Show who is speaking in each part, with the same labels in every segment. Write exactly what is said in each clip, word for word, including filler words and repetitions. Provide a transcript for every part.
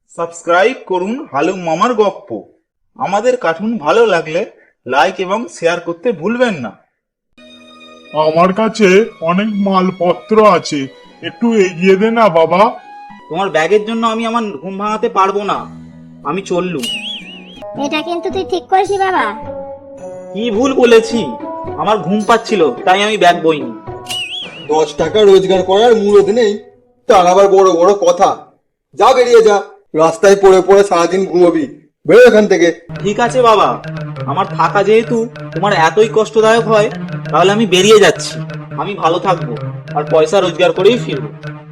Speaker 1: Subscribe করুন হালুম মামার গপ্প। আমাদের কার্টুন ভালো লাগলে লাইক এবং শেয়ার করতে ভুলবেন না।
Speaker 2: আমার কাছে অনেক মালপত্র আছে, একটু এগিয়ে দে না বাবা।
Speaker 1: তোমার ব্যাগের জন্য আমি আমার ঘুম ভাঙাতে পারবো না, আমি চললুম।
Speaker 3: এটা কিন্তু তুই ঠিক করেছি বাবা।
Speaker 1: কি ভুল বলেছি? আমার ঘুম পাচ্ছিল তাই আমি ব্যাগ বইনি।
Speaker 4: দশ টাকা রোজগার করার মুরদ নেই, তার আবার বড় বড় কথা। যা বেরিয়ে যা, রাস্তায় পড়ে পড়ে সারাদিন ঘুমোবি। বেরো এখান থেকে।
Speaker 1: ঠিক আছে বাবা, আমার থাকা যেহেতু তোমার এতই কষ্টদায়ক হয় তাহলে আমি বেরিয়ে যাচ্ছি। আমি ভালো থাকবো আর পয়সা রোজগার করেই ফিরবো।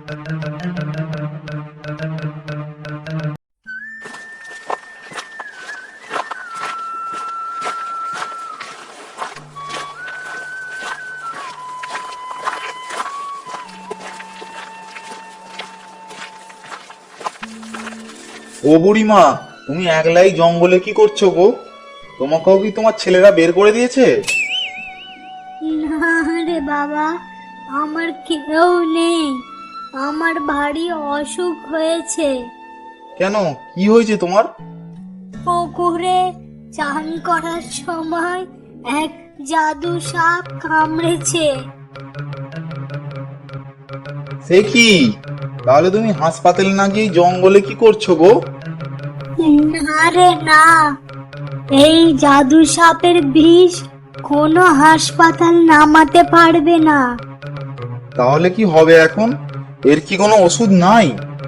Speaker 1: ও বুড়িমা, তুমি একলাই জঙ্গলে কি করছো গো? তোমাকেও কি তোমার ছেলেরা বের করে দিয়েছে?
Speaker 3: না রে বাবা, আমার কেউ নেই। আমার ভারী অসুখ হয়েছে।
Speaker 1: কেন, কি হয়েছে তোমার?
Speaker 3: পুকুরে চান করার সময় এক জাদু সাপ কামড়েছে।
Speaker 1: সে কি? তাহলে তুমি হাসপাতালে না গিয়ে জঙ্গলে কি করছো গো?
Speaker 3: না রে না, এই জাদু সাপের বিষ কোনো হাসপাতাল নামাতে পারবে না।
Speaker 1: তাহলে কি হবে এখন? এর কি কোনো ওষুধ নাই?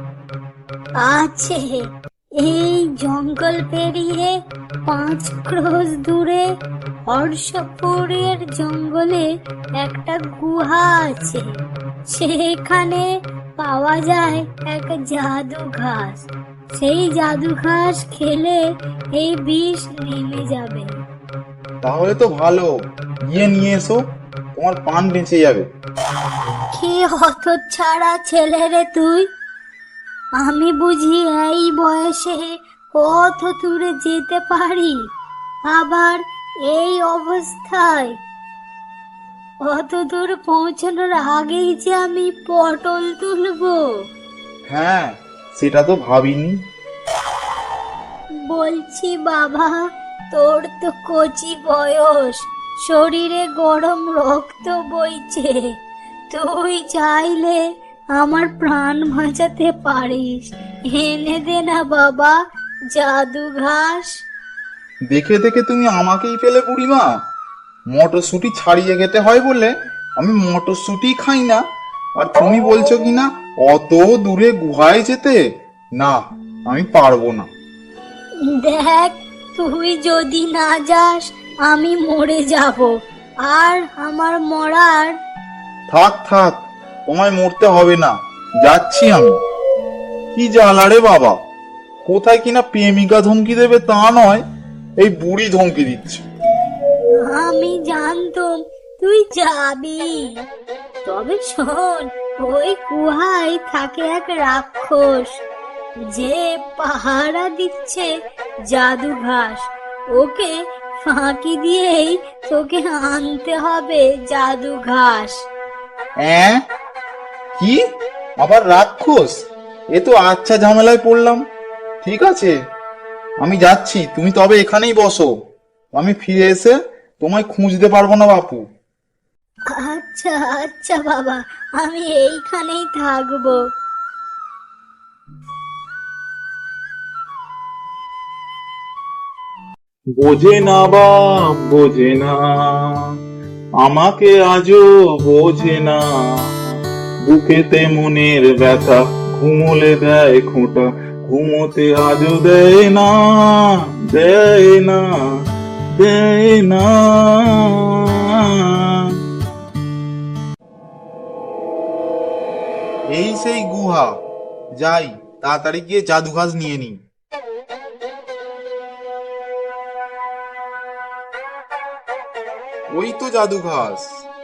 Speaker 3: আছে, এই জঙ্গল পেরিয়ে পাঁচ ক্রোশ দূরে হর্ষপুরের জঙ্গলে একটা গুহা আছে। সেখানে পাওয়া যায় এক জাদু ঘাস। সেই জাদু ঘাস খেলে এই বিষ নেমে যাবে।
Speaker 1: তাহলে তো ভালো, গিয়ে নিয়ে এসো, তোমার প্রাণ বেঁচে যাবে।
Speaker 3: কি হতচ্ছাড়া ছেলে রে তুই! আমি বুঝি এই বয়সে কত দূরে যেতে পারি, আবার এই অবস্থায়? অত দূর পৌঁছানোর আগেই যে আমি পটল তুলবো।
Speaker 1: হ্যাঁ, সেটা তো ভাবিনি।
Speaker 3: বলছি বাবা, তোর তো কচি বয়স, শরীরে গরম রক্ত বইছে। তুই চাইলে আমার প্রাণ বাঁচাতে পারিস। এনে দে না বাবা জাদু ঘাস।
Speaker 1: দেখে দেখে তুমি আমাকেই পেলে বুড়িমা। মটরশুঁটি ছাড়িয়ে খেতে হয় বলে আমি মটরশুঁটি খাই না, আর তুমি বলছো কিনা অত দূরে গুহায় যেতে? না, আমি পারবো না।
Speaker 3: দেখ, তুই যদি না যাস আমি মরে যাব, আর আমার মরার।
Speaker 1: থাক থাক, তোমায় মরতে হবে না, যাচ্ছি আমি। কি জ্বালা রে বাবা, কোথায় কিনা প্রেমিকা ধমকি দেবে তা নয়, এই বুড়ি ধমকি দিচ্ছে।
Speaker 3: আমি জানতাম তুই যাবি। তবে শোন, ওই গুহায় থাকে এক রাক্ষস যে পাহারা দিচ্ছে জাদু ঘাস। ওকে ফাঁকি দিয়েই তোকে আনতে হবে জাদু ঘাস।
Speaker 1: অ্যাঁ? কি? আবার রাক্ষস? এ তো আচ্ছা ঝামেলায় পড়লাম। ঠিক আছে, আমি যাচ্ছি, তুমি তবে এখানেই বসো। আমি ফিরে এসে তোমায় খুঁজতে পারবো না বাপু।
Speaker 3: আচ্ছা আচ্ছা বাবা, আমি এইখানেই থাকবো।
Speaker 1: বোঝে না বাপ, বোঝে না, আমাকে আজও বোঝে না। বুকেতে মনের ব্যথা, ঘুমোলে দেয় খোঁটা, ঘুমোতে আজও দেয় না, দেয় না, দেয় না। এই সেই গুহা, যাই তাড়াতাড়ি গিয়ে জাদু ঘাস নিয়ে নিই। ওই তো জাদু ঘাস।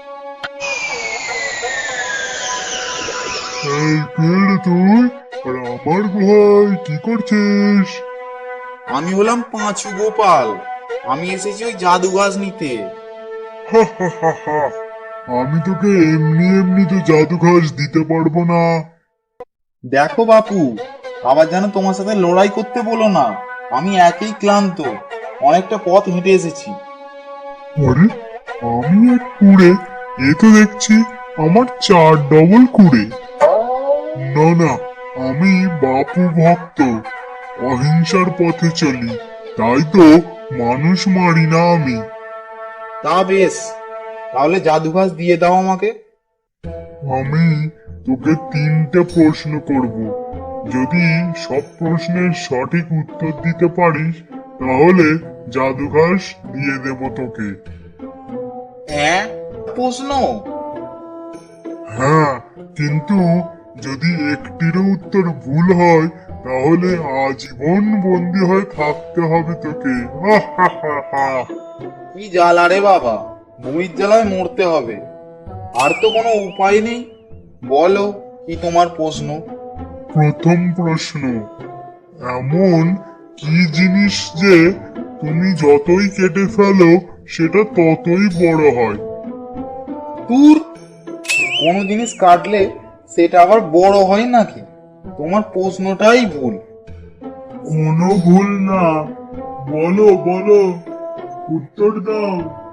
Speaker 2: এই পেড় তুই, আর আমার ভাই কি করছিস?
Speaker 1: আমি হলাম পাঁচু গোপাল, আমি এসেছি ওই জাদু ঘাস নিতে।
Speaker 2: হা হা হা হা, আমি তোকে এমনি এমনি তো জাদু ঘাস দিতে পারবো না।
Speaker 1: দেখো বাপু, আবার যেন তোমার সাথে লড়াই করতে বলো না। আমি একেই ক্লান্ত, অনেকটা পথ হেঁটে এসেছি।
Speaker 2: আরে আমি এক কুড়ে, এ তো দেখছি আমার চার ডবল কুড়ে। না না, আমি বাপু ভক্ত, অহিংসার পথে চলি, তাই তো মানুষ মারি না আমি।
Speaker 1: তা বেশ, তাহলে জাদু ঘাস দিয়ে দাও আমাকে।
Speaker 2: আমি তোকে তিনটে প্রশ্ন করব, যদি সব প্রশ্নের সঠিক উত্তর দিতে পারিস তাহলে জাদু ঘাস দিয়ে দেব তোকে।
Speaker 1: হ্যাঁ, প্রশ্ন?
Speaker 2: হ্যাঁ, কিন্তু যদি একটিরও উত্তর ভুল হয় তাহলে আজীবন বন্দি হয়ে থাকতে হবে তোকে। হা হা হা হা।
Speaker 1: কি জ্বালা রে বাবা, বমির জ্বালায় মরতে হবে। আর তো কোনো উপায় নেই, বলো কি তোমার প্রশ্ন।
Speaker 2: প্রথম প্রশ্ন, এমন কি জিনিস যে তুমি যতই কেটে ফেলো সেটা ততই বড় হয়?
Speaker 1: দূর, কোনো জিনিস কাটলে সেটা আবার বড় হয় নাকি? তোমার প্রশ্নটাই ভুল।
Speaker 2: কোনো ভুল না, বলো বলো, উত্তর দাও।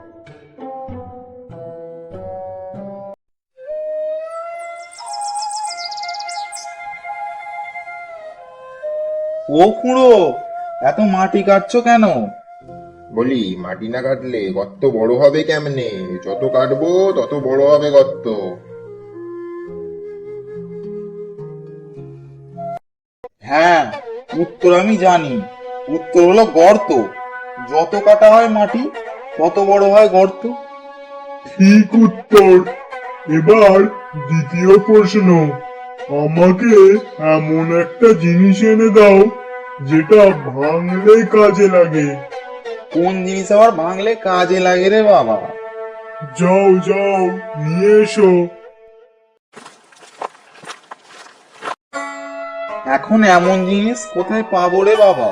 Speaker 1: ও খুড়ো, এত মাটি কাটছো কেন?
Speaker 5: বলি, মাটি না কাটলে গর্ত বড় হবে কেমনে? যত কাটবো তত বড় হবে গর্ত।
Speaker 1: হ্যাঁ, উত্তর আমি জানি। উত্তর হলো গর্ত। যত কাটা হয় মাটি তত বড় হয় গর্ত।
Speaker 2: ঠিক উত্তর। এবার দ্বিতীয় প্রশ্ন, আমাকে এমন একটা জিনিস এনে দাও যেটা ভাঙলে কাজে লাগে।
Speaker 1: কোন জিনিস আবার ভাঙলে কাজে লাগে রে বাবা?
Speaker 2: যাও যাও, নিয়ে এসো।
Speaker 1: এখন এমন জিনিস কোথায় পাবো রে বাবা?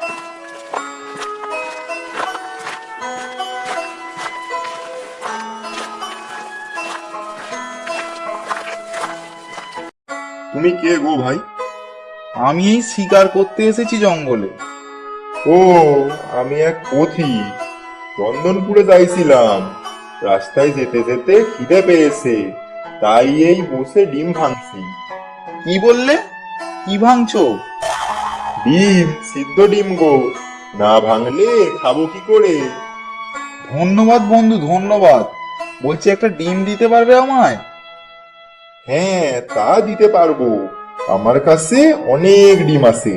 Speaker 5: তুমি কে গো ভাই?
Speaker 1: আমি এই শিকার করতে এসেছি জঙ্গলে।
Speaker 5: ও, আমি এক পথিক, চন্দনপুরে যাইছিলাম। রাস্তায় যেতে যেতে খিদে পেয়েছে, তাই এই বসে ডিম ভাঙছি।
Speaker 1: কি বললে? কি ভাঙছো?
Speaker 5: ডিম, সিদ্ধ ডিম গো। না ভাঙলে খাবো কি করে?
Speaker 1: ধন্যবাদ বন্ধু, ধন্যবাদ। বলছি একটা ডিম দিতে পারবে আমায়?
Speaker 5: হ্যাঁ, তা দিতে পারবো। আমার কাছে অনেক ডিম আছে।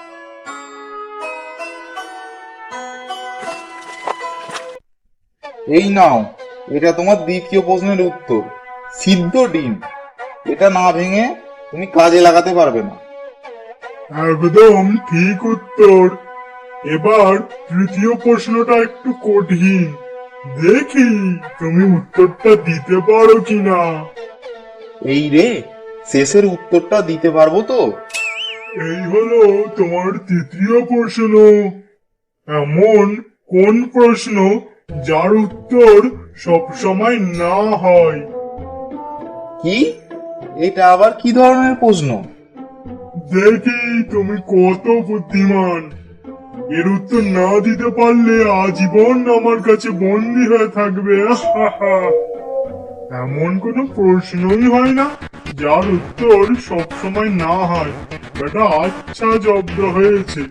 Speaker 1: এই নাও, এটা তোমার দ্বিতীয় প্রশ্নের উত্তর। সিদ্ধ ডিম। এটা না ভেঙে তুমি কাজে লাগাতে পারবে না।
Speaker 2: একদম ঠিক উত্তর। এবার তৃতীয় প্রশ্নটা একটু কঠিন, দেখি তুমি উত্তরটা দিতে পারো কিনা।
Speaker 1: এই রে, শেষের উত্তরটা দিতে পারবো তো?
Speaker 2: এই হলো তোমার তৃতীয় প্রশ্ন। এমন কোন প্রশ্ন যার উত্তর সবসময় না হয়?
Speaker 1: কি? এটা আবার কি ধরনের প্রশ্ন?
Speaker 2: দেখি তুমি কত বুদ্ধিমান। এর উত্তর না দিতে পারলে আজীবন আমার কাছে বন্দী হয়ে থাকবে। এমন কোনো প্রশ্নই হয় না যার উত্তর সবসময় না হয়। বেটা আচ্ছা জব্দ হয়েছে।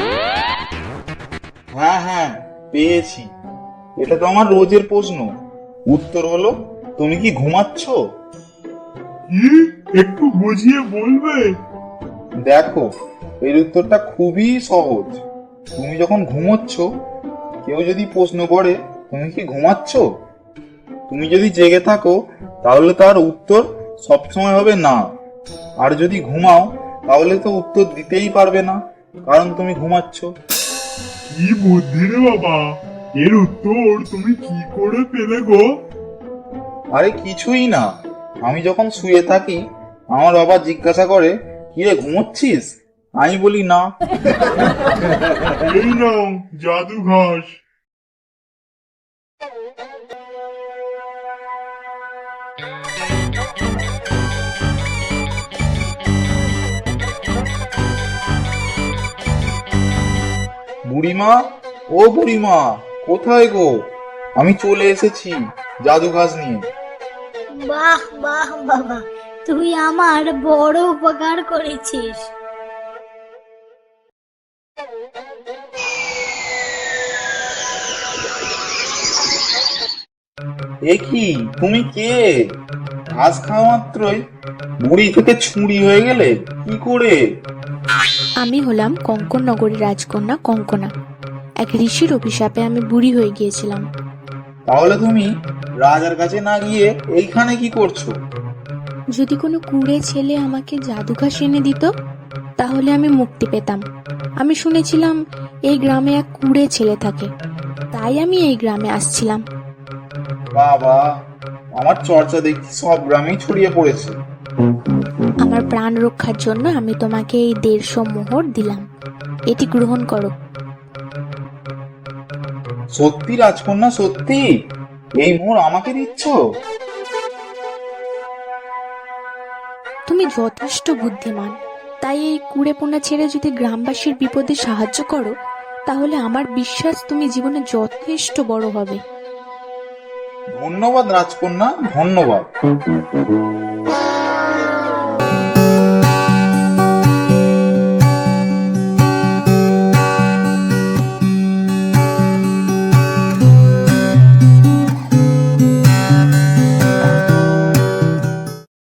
Speaker 1: হ্যাঁ হ্যাঁ, পেয়েছি। এটা তো আমার রোজের প্রশ্ন। উত্তর হলো, তুমি কি ঘুমাচ্ছ?
Speaker 2: কি, একটু বুঝিয়ে বলবে?
Speaker 1: দেখো, এর উত্তরটা খুবই সহজ। তুমি যখন ঘুমোচ্ছ, কেউ যদি প্রশ্ন করে তুমি কি ঘুমাচ্ছ, তুমি যদি জেগে থাকো তাহলে তার উত্তর সবসময় হবে না। আর যদি ঘুমাও তাহলে তো উত্তর দিতেই পারবে না, কারণ তুমি ঘুমাচ্ছ।
Speaker 2: কি বুদ্ধি রে বাবা, এর উত্তর তুমি কি করে পেলে গো?
Speaker 1: আরে কিছুই না, আমি যখন শুয়ে থাকি আমার বাবা জিজ্ঞাসা করে, কি রে ঘুমোচ্ছিস? আমি বলি না।
Speaker 2: এই নাও জাদু ঘাস।
Speaker 1: বুড়িমা, ও বুড়িমা, কোথায় গো? আমি চলে এসেছি জাদু ঘাস নিয়ে।
Speaker 3: বাহ বাহ বাবা, তুই আমার বড় উপকার করেছিস।
Speaker 1: এ কি, তুমি কে? ঘাস খাওয়া মাত্রই বুড়ি থেকে ছুঁড়ি হয়ে গেলে কি করে?
Speaker 6: আমি হলাম কঙ্কন নগরীর রাজকন্যা কঙ্কনা। এক ঋষির অভিশাপে আমি বুড়ি হয়ে গিয়েছিলাম।
Speaker 1: তাহলে তুমি রাজার কাছে না গিয়ে এইখানে কি করছো?
Speaker 6: যদি কোনো কুঁড়ে ছেলে আমাকে জাদুঘাস এনে দিত তাহলে আমি মুক্তি পেতাম। আমি শুনেছিলাম এই গ্রামে এক কুঁড়ে ছেলে থাকে, তাই আমি এই গ্রামে আসছিলাম।
Speaker 1: বাবা, আমার চর্চা দেখছি সব গ্রামেই ছড়িয়ে পড়েছে।
Speaker 6: আমার প্রাণ রক্ষার জন্য আমি তোমাকে এই দেড়শো মোহর দিলাম, এটি গ্রহণ করো।
Speaker 1: সত্যি রাজকন্যা, সত্যি এই মোহর আমাকে দিচ্ছ?
Speaker 6: তুমি যথেষ্ট বুদ্ধিমান, তাই এই কুঁড়েপোনা ছেড়ে যদি গ্রামবাসীর বিপদে সাহায্য করো তাহলে আমার বিশ্বাস তুমি জীবনে যথেষ্ট বড় হবে।
Speaker 1: ধন্যবাদ রাজকন্যা, ধন্যবাদ।